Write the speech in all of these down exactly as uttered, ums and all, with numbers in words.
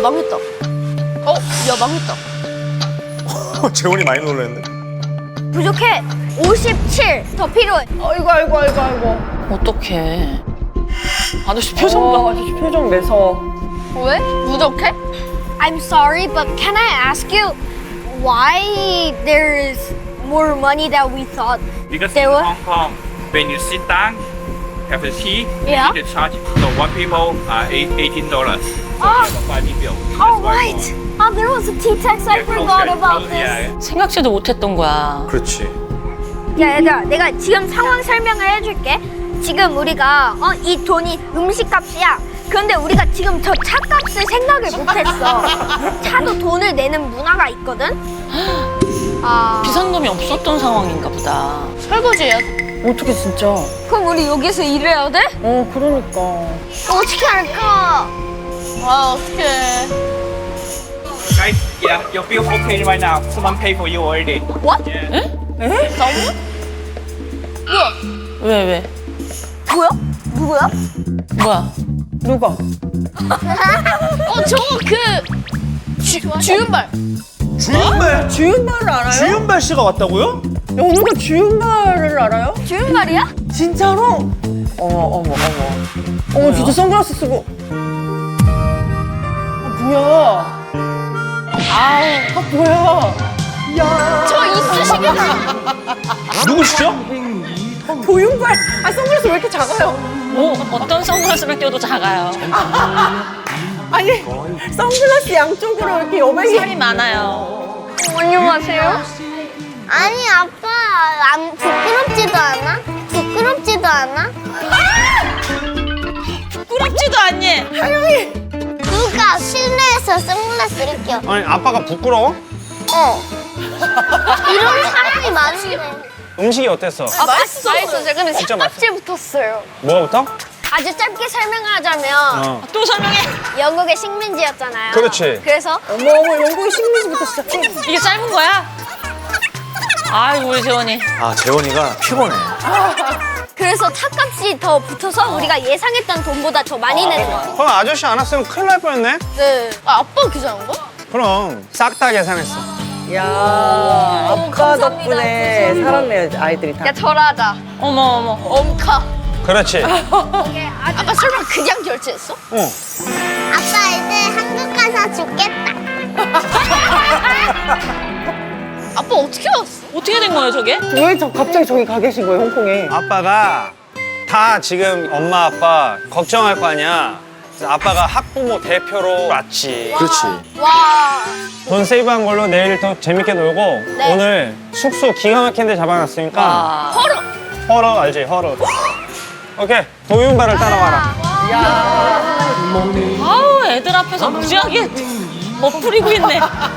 망했다. 어? 야, 망했다. 재원이 많이 놀랐는데. 부족해. 오십칠 더 필요해. 아이고 아이고 아이고 아이고. 어떡해. 아저씨 표정 봐. 어, 아저씨 표정 매서워. 왜? 부족해? I'm sorry, but can I ask you why there is more money than we thought? Because There in were- Hong Kong, when you sit down, have a tea, Yeah. you need to charge. So one people uh, eight, eighteen dollars. So Oh. you have a five bill. That's Oh, why right. more. Oh, there was a T-Tex. I Yeah, forgot closer, about closer, this. yeah. 생각지도 못했던 거야. 그렇지. 야, 얘들아, 내가 지금 상황 설명을 해줄게. 지금 우리가 어, 이 돈이 음식값이야. 그런데 우리가 지금 저 차값을 생각을 못했어. 차도 돈을 내는 문화가 있거든. 아, 비상금이 없었던 상황인가 보다. 설거지야. 어떻게 진짜? 그럼 우리 여기서 일해야 돼? 어 그러니까. 어떻게 할까? 아, 어떡해. Guys, yeah, your bill okay right now. Someone pay for you already. What? Yeah. 에? 너무? 뭐야? 왜, 왜? 뭐야? 누구야? 뭐야? 누가? 어, 저거 그... 주, 주윤발. 주윤발. 주윤발을 알아요? 주윤발 씨가 왔다고요? 연우가 주윤발을 알아요? 주인 말이야? 진짜로? 어머 어머 어머. 어머 진짜 선글라스 쓰고. 아 뭐야? 아 뭐야? 야. 저 이쑤시개다. 누구시죠? 도윤발. 아 선글라스 왜 이렇게 작아요? 뭐, 어떤 선글라스를 껴도 작아요. 아니 선글라스 양쪽으로 이렇게 여백이. 살이 많아요. 안녕하세요. 아니 아빠 안 부끄럽지도 않아? 부끄럽지도 않아? 부끄럽지도 않니? 하영이. 누가 실내에서 선글라스를 껴? 아니 아빠가 부끄러워? 어. 이런 사람이 많은데. 음식이 어땠어? 아, 맛있어. 맛있었어요. 근데 진짜 삭박지 붙었어요. 뭐부터? 아주 짧게 설명하자면 어. 또 설명해. 영국의 식민지였잖아요. 그렇지. 그래서 어머 어머 영국의 식민지부터 시작해. 이게 짧은 거야? 아이고, 우리 재원이. 아 재원이가 피곤해. 그래서 탑값이 더 붙어서 우리가 예상했던 돈보다 더 많이 내는 거야. 그럼 아저씨 안 왔으면 큰일 날 뻔했네? 네. 아, 아빠가 계산한 거야? 그럼 싹 다 계산했어. 야 아빠 덕분에 살았네요 아이들이 다. 절하자. 어머, 어머. 엄카. 그렇지. 아빠 설마 그냥 결제했어? 응. 아빠 이제 한국 가서 죽겠다. 아빠 어떻게 왔어? 어떻게 된 거예요, 저게? 왜 저 갑자기 저기 가 계신 거예요 홍콩에? 아빠가 다 지금 엄마 아빠 걱정할 거 아니야. 그래서 아빠가 학부모 대표로 왔지. 그렇지. 와. 돈 세이브한 걸로 내일 더 재밌게 놀고 네. 오늘 숙소 기가 막힌 데 잡아놨으니까 아. 허러. 허러 알지? 허러. 오케이 도윤발을 따라와라. 아우, 애들 앞에서 무지하게 멋부리고 있네. 아빠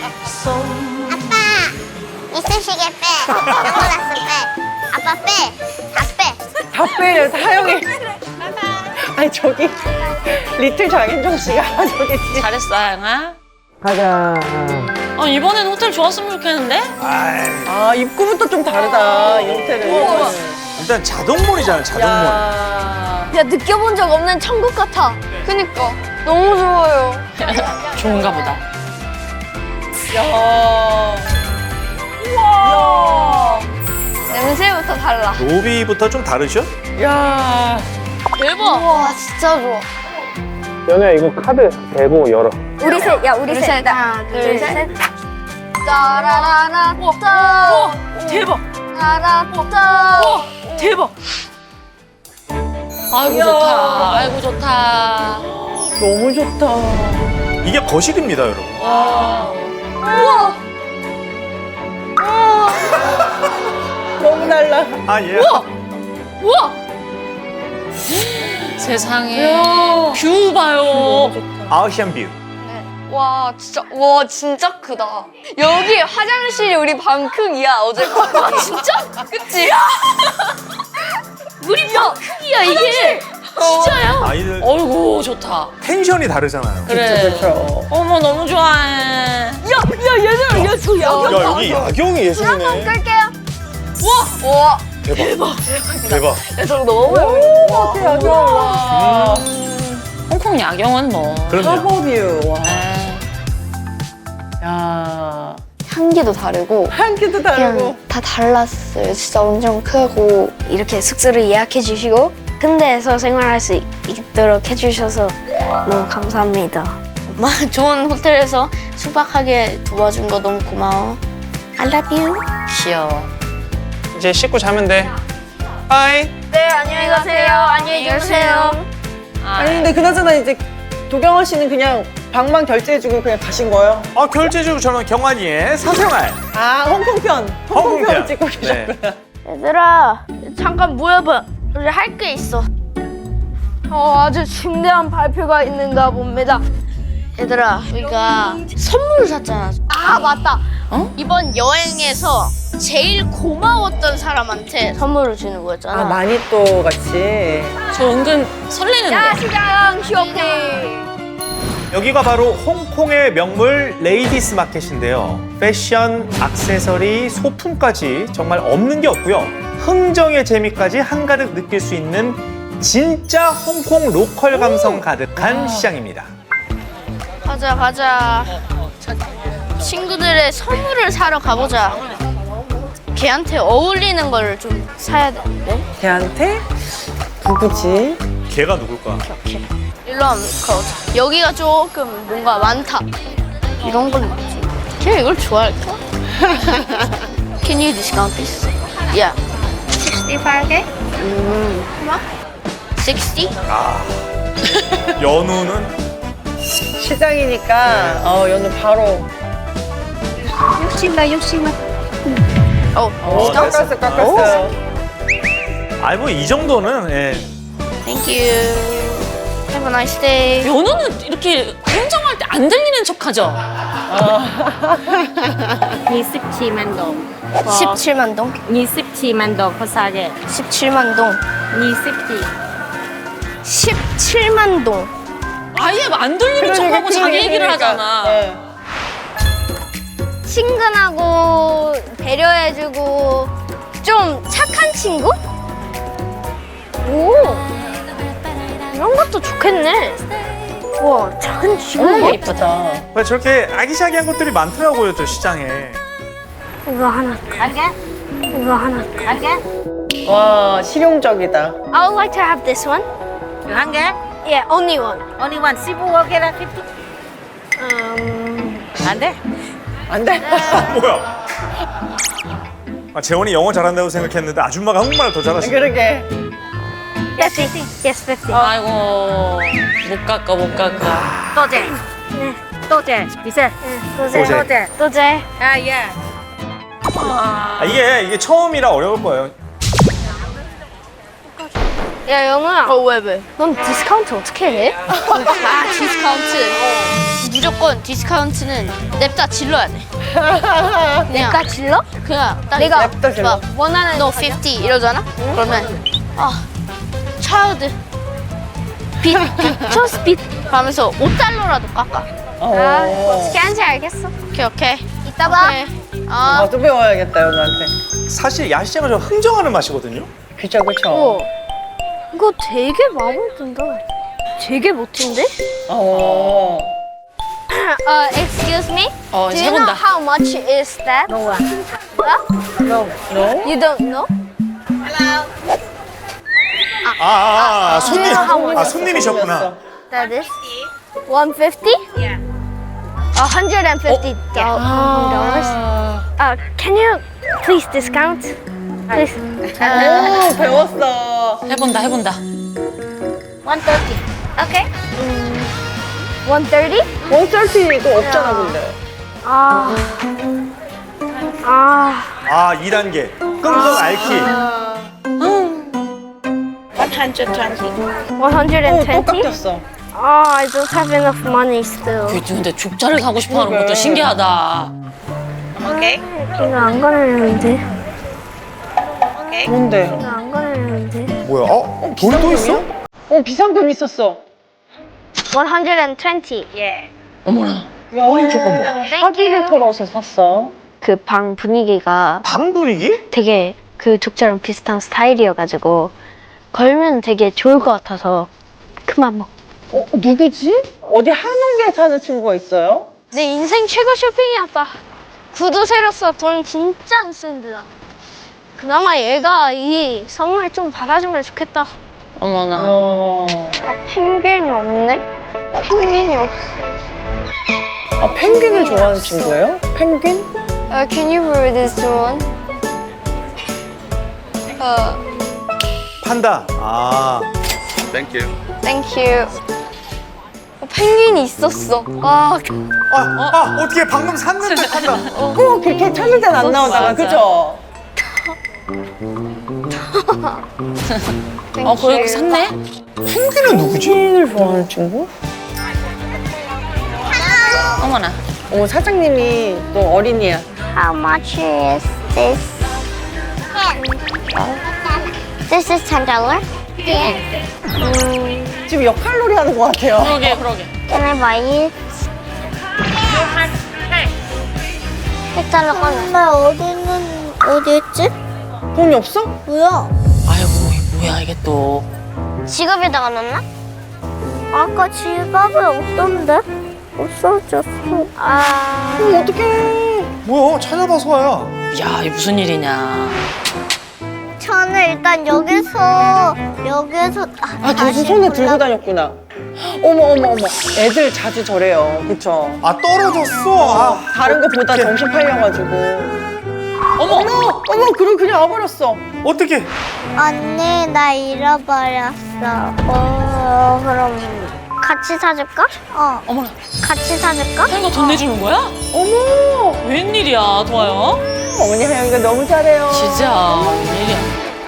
이쑤시개 빼. 선글라스 빼. 아빠 빼. 다 빼. 다 빼요 하영이. 아니 저기 리틀 장윤정 씨가 저기 있지. 잘했어, 하영아. 가자. 아, 이번엔 호텔 좋았으면 좋겠는데? 아 입구부터 좀 다르다 이 호텔은. 일단 자동문이잖아 자동문. 야. 야 느껴본 적 없는 천국 같아. 그니까 너무 좋아요. 좋은가 보다. 야. 우와. 냄새부터 달라. 로비부터 좀 다르죠? 야. 대박. 와 진짜 좋아. 연우야 이거 카드 대고 열어. 우리 셋, 야 우리 셋. 하나, 둘, 셋. 따라라라 따. 대박. 따라따. 대박. 아이고, 이야. 좋다. 아이고, 좋다. 너무 좋다. 이게 거실입니다 여러분. 우와. 너무 달라. 아 예. 우와! 세상에. 뷰 봐요. 아시안 뷰. 와 진짜 와 진짜 크다. 여기 화장실이 우리 방 크기야 어제. 진짜? 그치? 우리 방 크기야, 이게. 진짜야? 아이들 어이구, 좋다. 텐션이 다르잖아요. 그래. 그렇죠. 어머, 너무 좋아해. 야야 얘들아 얘저 야경. 야 여기 야경이 예술이네. 끌게요. 우와. 우와. 대박. 대박. 야 저거 너무 오, 어때 야경. 와. 홍콩 야경은 뭐. 그럼요. 하버뷰. 와. 아, 야. 향기도 다르고 향기도 다르고. 그냥 다 달랐어요. 진짜 엄청 크고 이렇게 숙소를 예약해 주시고 군대에서 생활할 수 있도록 해주셔서 너무 감사합니다. 엄마 좋은 호텔에서 숙박하게 도와준 거 너무 고마워. I love you. 귀여워. 이제 씻고 자면 돼. 바이. 네, 안녕히 가세요. 안녕히 계세요. 아니 근데 그나저나 이제 도경원 씨는 그냥 방만 결제해주고 그냥 가신 거예요? 아, 결제주 저는 경환이의 사생활. 아 홍콩편. 홍콩편 홍콩편. 찍고 네. 계셨구나. 얘들아, 잠깐 모여봐. 우리 할 게 있어. 어, 아주 중대한 발표가 있는가 봅니다. 얘들아 우리가 선물을 샀잖아. 아, 맞다. 이번 여행에서 제일 고마웠던 사람한테 선물을 주는 거였잖아. 아 마니또 같이. 저 은근 설레는데. 야시장 쇼핑. 여기가 바로 홍콩의 명물 레이디스 마켓인데요. 패션, 액세서리, 소품까지 정말 없는 게 없고요. 흥정의 재미까지 한가득 느낄 수 있는 진짜 홍콩 로컬 감성 가득한 시장입니다. 가자 가자. 친구들의 선물을 사러 가보자. 걔한테 어울리는 걸 좀 사야 되는데. 걔한테 누구지? 걔가 누굴까? 일로 한번 가보자. 여기가 조금 뭔가 많다. 이런 건 뭐지? 걔 이걸 좋아할까? Can you discount this? Yeah. sixty-five K? 음. 얼마? sixty? 연우는 시장이니까 어 연우 바로. 육십만, 육십만. 어. 오 깎았어 깎았어. 아이 뭐 이 정도는 예. Thank you. Have a nice day. 연우는 이렇게 행정할 때 안 들리는 척하죠. 이십칠만 동. 십칠만 동? 이십칠만 동 비싸게. 십칠만 동. 이십칠. 십칠만 동. 아예 안 들리는 척하고 자기 얘기를 하잖아. 네. 친근하고 배려해주고 좀 착한 친구? 오, 이런 것도 좋겠네. 와, 작은 친구. 너무 예쁘다. 왜 저렇게 아기자기한 것들이 많더라고요, 저 시장에. 이거 하나. 이거 하나. 와 실용적이다. I would like to have this one. 한 개? Yeah, only one. Only one. 십오 개라 fifty. Um, 안 돼? 안 돼? 뭐야? 아, 재원이 영어 잘한다고 생각했는데 아줌마가 한국말을 더 잘하시네. 그러게. fifty. Yes, fifty. 아이고 못 깎아 못 깎아. 또제. 네. 또제. 비싸. 소재. 또제. 또제. 아 예. 아, 이게 이게 처음이라 어려울 거예요. 야, 영우야. 어, 왜, 왜? 넌 디스카운트 어떻게 해? 아, 디스카운트. 무조건 디스카운트는 냅다 질러야 돼. 그냥, 내가 질러? 그냥 딱 내가 냅다 질러. 막 원하는 너 오십 이러잖아? 그러면 아, 차일드 빛, 빛, 초스 빛 하면서 오 달러라도 깎아. 어. 아, 어떻게 하는지 알겠어. 오케이, 오케이. 이따 봐. 오케이. 아, 나도 배워야겠다 연우한테. 사실 야시장은 좀 흥정하는 맛이거든요. 그쵸 그쵸. 어. 이거 되게 마음에 든다. 되게 멋진데? 어. Uh, excuse me? 어, Do you know 해본다. how much is that? No one. What? No. No? You don't know? 아, 아, 아 손님. 아, 아, 손님이셨구나. That is one fifty? Yeah. A hundred and fifty dollars. Uh, can you please discount? Please. 오 배웠어. 해본다 해본다. one thirty. Okay. one thirty? 원썰티도 없잖아 근데. 아. 아. 아, 이 단계. 끙끙 앓기. one hundred twenty. one hundred 오, 또 twenty? 깎였어. Ah, I don't have enough money still. 근데 죽자를 사고 싶어하는 것도 그러게. 신기하다. Okay. 이거 안 꺼내려는데. Okay. 뭔데? 이거 안 꺼내려는데. 뭐야? 어? 돈이 또 있어? 어 비상금 있었어. one hundred twenty. Yeah. 어머나. 야 잠깐만. 사기를 털어서 샀어. 그 방 분위기가 방 분위기? 되게 그 족자랑 비슷한 스타일이어가지고 걸면 되게 좋을 것 같아서 그만 먹. 어, 누구지? 어디 한옥에 사는 친구가 있어요? 내 인생 최고 쇼핑이 아빠. 구두 새로 써. 돈 진짜 안 쓴다. 그나마 얘가 이 선물 좀 받아주면 좋겠다. 어머나. 어. 아, 펭귄이 없네? 펭귄이 없어. 아, 펭귄을 좋아하는 친구예요? 펭귄? Uh, can you read this one? Uh, 판다. 아, Thank you. thank you. 어, 펭귄이 있었어. 아, 아, 아 어떻게 방금 샀는데 판다. 꼭 그렇게 찾을 땐 안 나오다가, 그죠? 어, 거기 샀네? 펭귄은 누구지? 펭귄을 좋아하는 친구? 어머나. 어, 사장님이 또 어린이야. How much is this? This is ten dollar. 지금 역할놀이 하는 것 같아요. 그러게, 그러게. Can I buy it? ten dollar 꺼내. 나 어디는 어디 있지? 돈이 없어? 뭐야? 아이고, 뭐야, 이게 또. 지갑에다가 넣나? 아까 지갑에 없던데? 없어졌어. 아. 어, 어떡해. 뭐야? 찾아봐서 와야. 야, 이게 무슨 일이냐. 저는 일단 여기서 여기서 아, 계속 손에 들고 다녔구나. 어머, 어머, 어머. 애들 자주 저래요. 그쵸? 아, 떨어졌어. 아, 다른 거 보다 정신 팔려가지고. 어머! 어머, 어머, 그럼 그냥 와버렸어. 어떻게? 언니 나 잃어버렸어. 어 그럼 같이 사줄까? 어. 어머나. 같이 사줄까? 하영이가 돈 내주는 거야? 어머. 웬일이야, 도아요? 어머니 하영이가 너무 잘해요. 진짜, 웬일이야.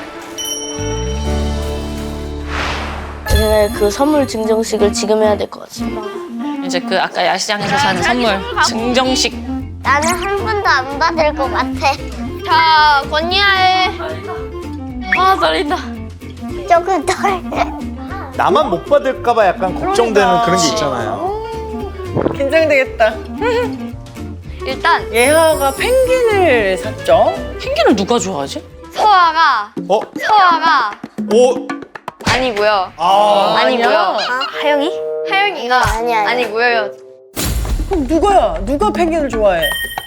우리는 그 선물 증정식을 지금 해야 될 것 같아. 이제 그 아까 야시장에서 산 선물 증정식. 나는 한 번도 안 받을 것 같아. 자, 권니아의. 아, 떨린다. 조금 덜. 나만 못 받을까봐 약간 걱정되는 그러니까. 그런 게 있잖아요. 긴장되겠다. 일단, 예하가 펭귄을 샀죠? 펭귄을 누가 좋아하지? 서아가, 어? 서아가 오? 아니고요. 아, 아니고요. 아, 하영이? 하영이가 아니, 아니. 아니고요. 그럼 누가야? 누가 펭귄을 좋아해?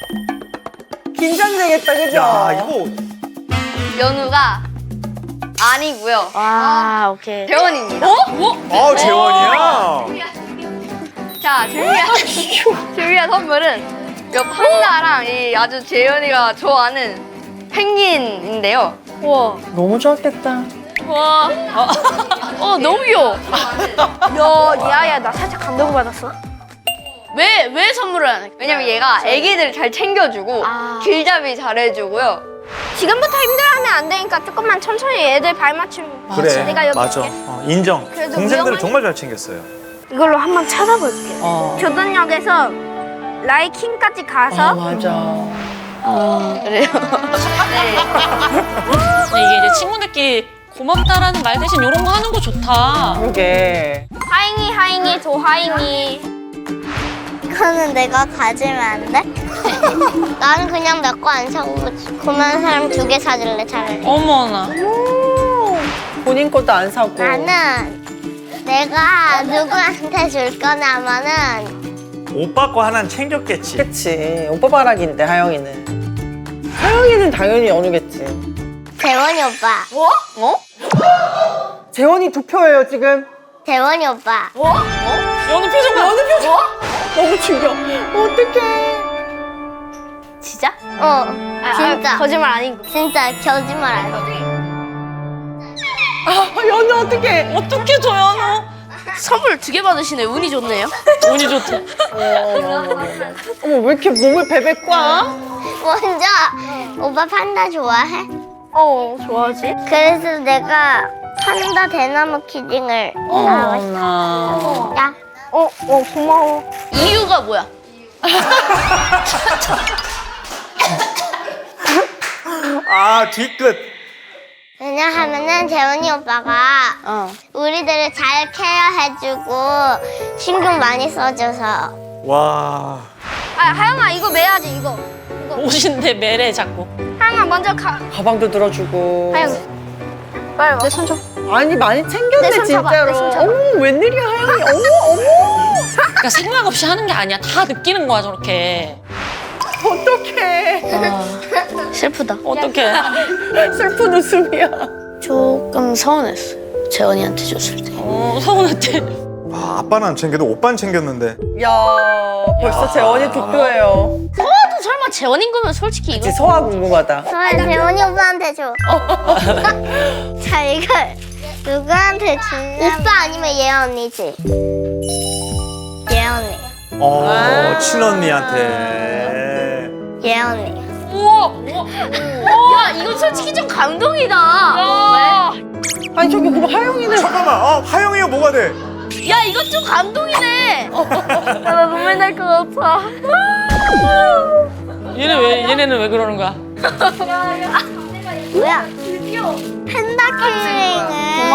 긴장되겠다, 그죠? 야, 이거 연우가 아니고요. 아, 오케이. 재원입니다. 어? 뭐? 아, 재원이야. 자, 준비한, 준비한 선물은 이 판다랑 이 아주 재현이가 좋아하는 펭귄인데요. 우와. 너무 좋았겠다. 와. 어, 너무 귀여워. 야, 야야, 나 살짝 감동받았어. 왜, 왜 선물을 안 해? 왜냐면 얘가 애기들 잘 챙겨주고, 길잡이 잘해주고요. 지금부터 힘들어하면 안 되니까 조금만 천천히 애들 발맞춤. 그래, 내가 여기 맞아. 있게. 어, 인정. 그래도 동생들을 위험하니- 정말 잘 챙겼어요. 이걸로 한번 찾아볼게. 어. 교동역에서 라이킹까지 가서 아, 맞아. 그래요. 근데 이게 이제 친구들끼리 고맙다라는 말 대신 이런 거 하는 거 좋다. 그러게. 하잉이 하잉이 도하잉이. 그거는 내가 가지면 안 돼? 나는 그냥 내 거 안 사고 그만 사람 두 개 사줄래 차라리. 어머나. 본인 것도 안 사고. 나는 내가 누구한테 줄 거냐면은 오빠 거 하나는 챙겼겠지. 그치. 오빠 바락인데, 하영이는. 하영이는 당연히 연우겠지. 재원이 오빠. 어? 재원이 두 표예요, 지금. 재원이 오빠. 연우 표정 봐. 연우 표정. 너무 충격. 어떡해. 진짜? 어. 진짜. 거짓말 아니고. 진짜 거짓말 안 해. 아, 연우 어떡해. 어떻게 줘, 연우? 선물 두 개 받으시네. 운이 좋네요. 운이 좋대. 어머, 왜 이렇게 몸을 베베 꽉? 먼저 오빠 판다 좋아해? 어, 좋아하지? 그래서 내가 판다 대나무 키링을 사고 싶어. 어머나. 야. 어, 어, 고마워. 이유가 뭐야? 아, 뒤끝. 왜냐하면은 재원이 오빠가 어. 우리들을 잘 케어해주고 신경 많이 써줘서. 와. 아, 하영아 이거 매야지 이거. 옷인데 매래 자꾸. 하영아 먼저 가. 가방도 들어주고. 하영. 빨리 와. 내 손 좀. 아니 많이 내 챙겼네 손 잡아, 진짜로. 내 손 잡아. 어머 웬일이야 하영이. 어머 어머. 그러니까 생각 없이 하는 게 아니야. 다 느끼는 거야 저렇게. 어떡해. 슬프다. 어떡해. 슬픈 웃음이야. 조금 서운했어. 재원이한테 줬을 때. 어, 서운했대. 아, 아빠는 안 챙겨도 오빠는 챙겼는데. 야 벌써 재원이 득표예요. 서아도 설마 재원인 거면 솔직히 이거 이제 서아 궁금하다. 저는 재원이 오빠한테 줘. 자, 이걸 누구한테 주냐? 오빠 아니면 예아 언니지? 예아 언니. 어, 아. 친언니한테. 예아 언니. 우와! 우와! 야 이거 솔직히 좀 감동이다. 아니 저기 그거 하영이는. 잠깐만, 어, 하영이가 뭐가 돼? 왜? 야 이거 좀 감동이네. 나 눈물 날 것 같아. 얘네 왜 얘네는 왜 그러는 거야? 뭐야? 펜다키링을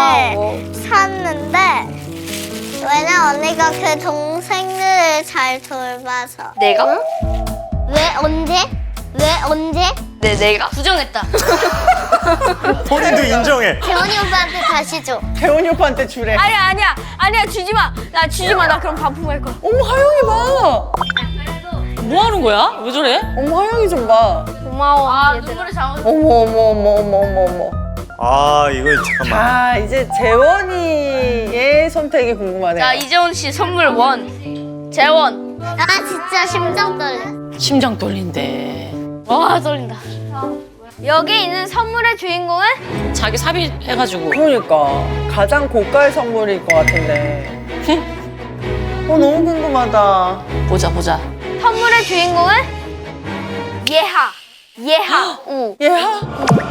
샀는데 왜냐 언니가 그 동생을 잘 돌봐서. 내가? 왜 언제? 왜 언제? 네 내가 부정했다. 본인도 인정해. 재원이 오빠한테 다시 줘. 재원이 오빠한테 주래. 아니야 아니야 아니야 주지 마. 나 주지 마. 나 그럼 반품할 거야. 어머 하영이 봐. 뭐 하는 거야? 왜 저래? 어머 하영이 좀 봐. 고마워. 아 눈물을 잡아. 어머 어머 어머 어머 어머 어머. 아, 이거 잠깐만. 자 이제 재원이의 선택이 궁금하네요. 자 이재원 씨 선물 원. 재원. 아 진짜 심장 떨려. 심장 떨린대. 와 떨린다. 여기 있는 선물의 주인공은 자기 삽입해가지고. 그러니까 가장 고가의 선물일 것 같은데. 어 너무 궁금하다. 보자 보자. 선물의 주인공은 예하. 예하. 오. 얘야?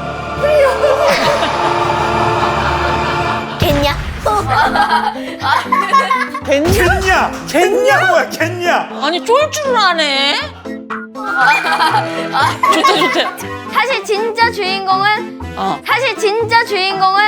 겠냐? 겠냐? 겠냐? 겠냐? 뭐야, 겠냐? 아니 쫄줄을 하네. 좋대 좋대. 사실 진짜 주인공은 어. 사실 진짜 주인공은